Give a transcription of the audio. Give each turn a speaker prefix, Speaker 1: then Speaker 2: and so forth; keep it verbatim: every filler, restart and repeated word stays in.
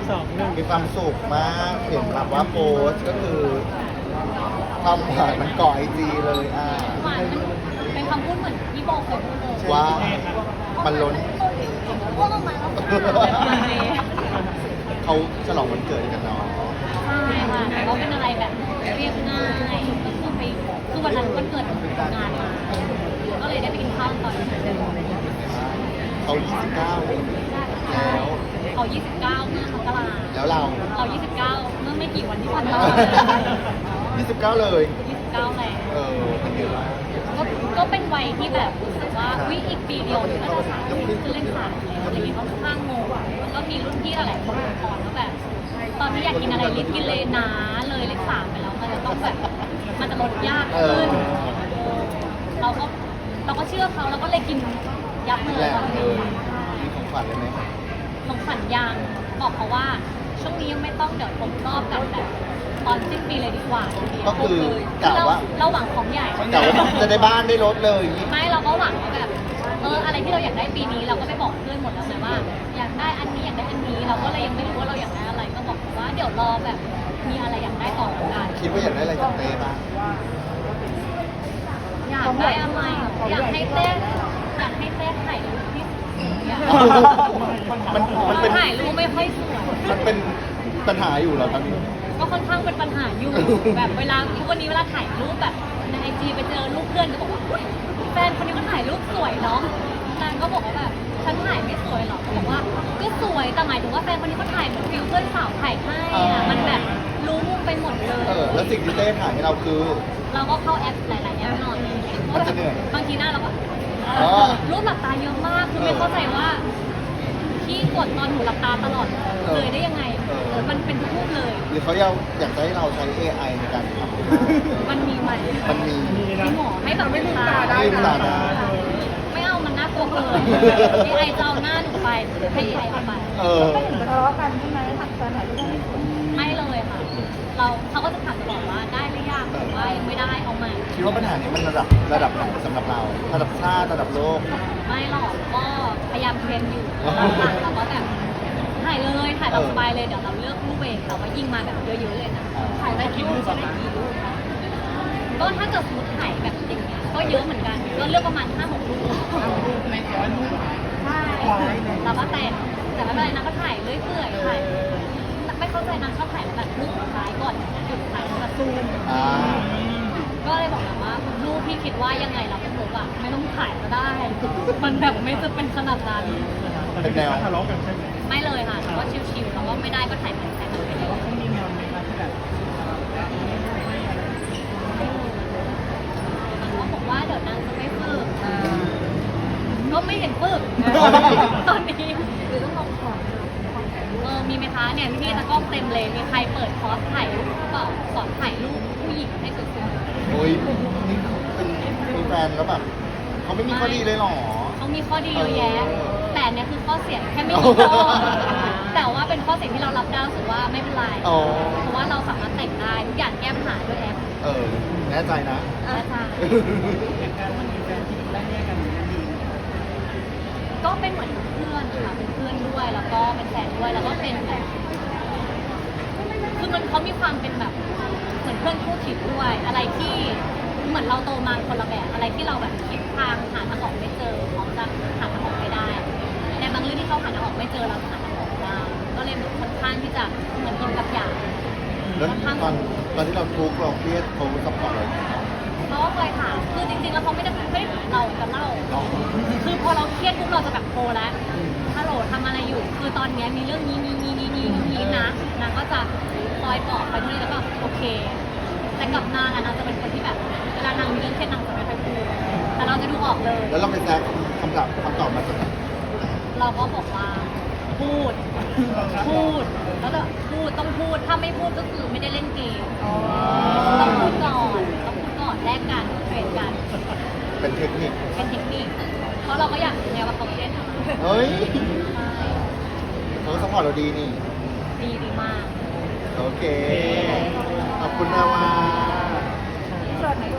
Speaker 1: สองหนึ่ง
Speaker 2: มีความสุขมากเห็นแบบว่าโพสต์ก็คือความหวานมันเกาะไอจีเลยอ่า
Speaker 3: หวานมันเป็นคำพูดเหมือนที่โบเคยพูดเลย
Speaker 2: ว่ามันล้น
Speaker 3: พวกออกมาแล้ว
Speaker 2: เขาฉลองวันเกิดกันเนาะ
Speaker 3: ใช่ค่ะแต่ก็เป็นอะไรแบบเรียบง่ายก็คือไปคือวันนั้นวันเกิดงานมาก็เลยได้ไปกินข้าวตอนนั้น
Speaker 2: เขายี่สิบเก้าแล้ว
Speaker 3: เขายี่สิบเก้าเมื่อมกรา
Speaker 2: แล้วเรา
Speaker 3: เรายี่สิบเก้าเมื่อไม่กี่วันที่ผ่านมา
Speaker 2: ยี่สิบเก้าเลย
Speaker 3: ยี่สิบเก้าแล้ว
Speaker 2: เออเป็นไงบ้าง
Speaker 3: ก็ก็เป็นวัยที่แบบรู้สึกว่าวิอีกปีเดียวก็จะสามสิบขึ้นเลขสามแล้วอะไรอย่างเงี้ยก็ค่อนข้างงงแล้วก็มีรุ่นพี่หลายๆคนบอกก่อนว่าแบบ ตอนนี้อยากกินอะไรรีบกินเลยนะเลยเลขสามไปแล้วมันจะต้องแบบมันจะลดยาก
Speaker 2: เอ
Speaker 3: ขึ้
Speaker 2: อน
Speaker 3: เราก็เราก็เชื่อเขาเราก็เลยกินยับเล
Speaker 2: แห
Speaker 3: ย
Speaker 2: ละเลยมีของขวัญเลยไหม
Speaker 3: ของขวัญยังบอกเขาว่าช่วงนี้ยังไม่ต้องเดี๋ยวครบรอบกันแบบตอนสิ้นปีเลยดีกว่า
Speaker 2: ก็คือกะว่า
Speaker 3: เราหวังของใหญ่
Speaker 2: กะว่าจะได้บ้านได้รถเลย
Speaker 3: ไม่เราก็หวังว่าแบบเอออะไรที่เราอยากได้ปีนี้เราก็ไปบอกเพื่อนหมดแล้วไงว่า อยากได้อันนี้อยากได้อันนี้เราก็เลยยังไม่รู้ว่าเราอยากได้อะไรก็บอกเขาว่าเดี๋ยวรอแบบมีอะไรอยากได้ก่อนละกัน
Speaker 2: คิดว่าอยากได้อะไรจากเต้บ้าง
Speaker 3: อยากได้อะไรอยากให้เต้อยากให้เต้ถ่ายรูปที่อยาก
Speaker 2: มันมันเป็น
Speaker 3: ถ่ายรูปไม่ค่อยสวย
Speaker 2: มันเป็นปัญหาอยู่เหรอตอนนี้
Speaker 3: ก็ค่อนข้างเป็นปัญหาอยู่ แบบเวลาทุกวันนี้เวลาถ่ายรูปแบบในไอจีไปเจอรูปเพื่อนก็บอกว่าอุ๊ยแฟนคนนี้ก็ถ่ายรูปสวยเนาะนางก็บอกว่าแบบฉันถ่ายไม่สวยหรอกบอกว่าก็สวยแต่หมายถึงว่าแฟนคนนี้เขาถ่ายเหมือนฟิลเพื่อนสาวถ่ายให้อะมันแบบรู้มุมไปหมดเลย
Speaker 2: เออ แล้วสิ่งที่เต้ถ่ายให้เราคือ
Speaker 3: เราก็เข้าแอปหลายๆแอปหน่อย
Speaker 2: มันจะเหนื่อย
Speaker 3: บางทีหน้าเราก็
Speaker 2: อ๋อ
Speaker 3: รูปหลับตาเยอะมากคือไม่เข้าใจว่าพี่กดตอนหนูหลับตาตลอดเลยได้ยังไง
Speaker 2: เออ
Speaker 3: เออมันเป็นทุกรูปเลย
Speaker 2: หรือเขาอยากอยากจะให้เราใช้ เอ ไอ ในการทำ
Speaker 3: มันมีไหม
Speaker 2: มันมี
Speaker 1: มี
Speaker 3: มี
Speaker 1: นะ
Speaker 3: หมอให้แบบไม่ลืมตา
Speaker 2: ได้ลืมตาได้
Speaker 3: ไม่เอามันน่ากลัวเกินไอไอจะเอาหน้าหนูไปให้ไอเอาไป
Speaker 2: เออ
Speaker 4: ทะเลาะกันใช่ไหมถักแฟนถ่ายรูปให้สวย
Speaker 3: ไม่เลยค่ะ เราเขาก็จะถามตลอดว่าได้หรือยังหรือว่ายังไม่ได้เอาใหม่
Speaker 2: คิดว่าปัญหานี้มันระดับระดับไหนสำหรับเรา ระดับชาติระดับโลก
Speaker 3: ไม่หรอกก็พยายามเทรนอยู่หลังๆเราก็แบบถ่ายเลยถ่ายเราสบายเลยเดี๋ยวเราเลือกรูปเองแต่ว่ายิงมาแบบเยอะๆเลยนะถ่ายได้กี่รูปจะได้กี่รูปคะก็ถ้าเกิดสมมติถ่ายแบบอย่างเงี้ยก็เยอะเหมือนกันก็เลือกประมาณห้าหกรูปในร้อยรูปใช่เราก็แต่งแต่ไม่เป็นไรนะก็ถ่ายเรื่อยเปื่อยถ่ายไม่เข้าใจนะชอบถ่ายแบบรูปสุดท้ายก่อนหยุดถ่ายแบบซูม
Speaker 2: อ่า
Speaker 3: ก็เลยบอกนะว่ารูปพี่คิดว่ายังไงเราก็รู้ว่าไม่ต้องถ่ายก็ได้ มันแบบไม่จะเป็นขนาดนั้น
Speaker 2: เป็นแนว
Speaker 1: ทะเลาะกันใช่ไหม
Speaker 3: ไม่เลยค่ะก็ชิวๆแล้วก็ไม่ได้ก็ถ่ายเป็นแค่นั้นไปเลย
Speaker 1: เขามีแนวไหมคะที่แบบ
Speaker 3: เขาบอกว่าเดี๋ยวนางจะไม่ฝึกก็ไม่เห็นฝึก ตอนนี้
Speaker 4: หรือต้องลองขอ
Speaker 3: เออมีไหมคะเนี่ยพี่ๆตะกล้องเต็มเลยมีใครเปิดคอร์สถ่ายรูปเปล่าสอนถ่ายรูปผู้หญิงให้สวย
Speaker 2: โอ้ยนี่เป็นมีแฟนแล้วแบบเขาไม่มีข้อดีเลยเหรอ
Speaker 3: ๆเขามีข้อดีเยอะแยะ
Speaker 2: เออ
Speaker 3: แต่เนี่ยคือข้อเสียแค่ไม่กี่ข้อแต่ว่าเป็นข้อเสียที่เรารับได้รู้สึกว่าไม่เป็นไร
Speaker 2: อ๋อ
Speaker 3: เพราะว่าเราสามารถแต่งได้ทุกอย่างแก้ปัญหาด้วยแอป
Speaker 2: เออ แน่ใจนะ
Speaker 3: และทาง
Speaker 1: อย่างการมันมีแฟนที่ได้แยกกันอย่างนี้ดี
Speaker 3: ก็เป็นเหมือนเพื่อนค่ะเป็นเพื่อนด้วยแล้วก็เป็นแฟนด้วยแล้วก็เป็นแบบคือมันเขามีความเป็นแบบเหมือนเพื่อนคู่คิดด้วย อะไรที่เหมือนเราโตมาคนละแบบอะไรที่เราแบบคิดทางหาทางออกไม่เจอเขาจะหาทางออกไม่ได้ในบางเรื่องที่เขาหาทางออกไม่เจอเราหาทางออกได้ก็เลยค่อนข้างที่จะเหมือนกินกับอย่าง
Speaker 2: แล้วตอนตอนที่เราทุกข์เราเครียดเขาซัพพอร์ตเราอย่างไร
Speaker 3: เขาก็เคยถามคือจริงๆแล้วเขาไม่ได้ไม่ได้ถามเราจะเล่า
Speaker 2: อ๋อ
Speaker 3: คือพอเราเครียดปุ๊บเราจะแบบโทรแล้วฮัลโหลทำอะไรอยู่ คือตอนเนี้ยมีเรื่องนี้นี้นี้นี้นี้นี้นะนางก็จะคอยปลอบไปด้วยแล้วก็โอเค แต่กับนางอะนางจะเป็นคนที่แบบเวลานางมีเรื่องเครียดนางจะไม่ค่อยพูดแต่เราจะดูออกเลย
Speaker 2: แล้วเราไปแซกคำตอบคำตอบมาจากไหน
Speaker 3: เราก็บอกว่าพูด พูด แล้วก็พูดต้องพูด ถ้าไม่พูดก็คือไม่ได้เล่นเกมต้องพูดก่อนต้องพูดก่อนแลกกันเทรดกัน
Speaker 2: เป็นเทคนิค
Speaker 3: เป็นเทคนิค เพราะเราก็อยากรู้ไงว่าเขาเครียดอะไร
Speaker 2: เฮ้ย
Speaker 3: ใช่
Speaker 2: เขาซัพพอร์ตเราดีนี่
Speaker 3: ดีดีมาก
Speaker 2: โอเค ขอบคุณนะว่า
Speaker 4: ส่วนไหน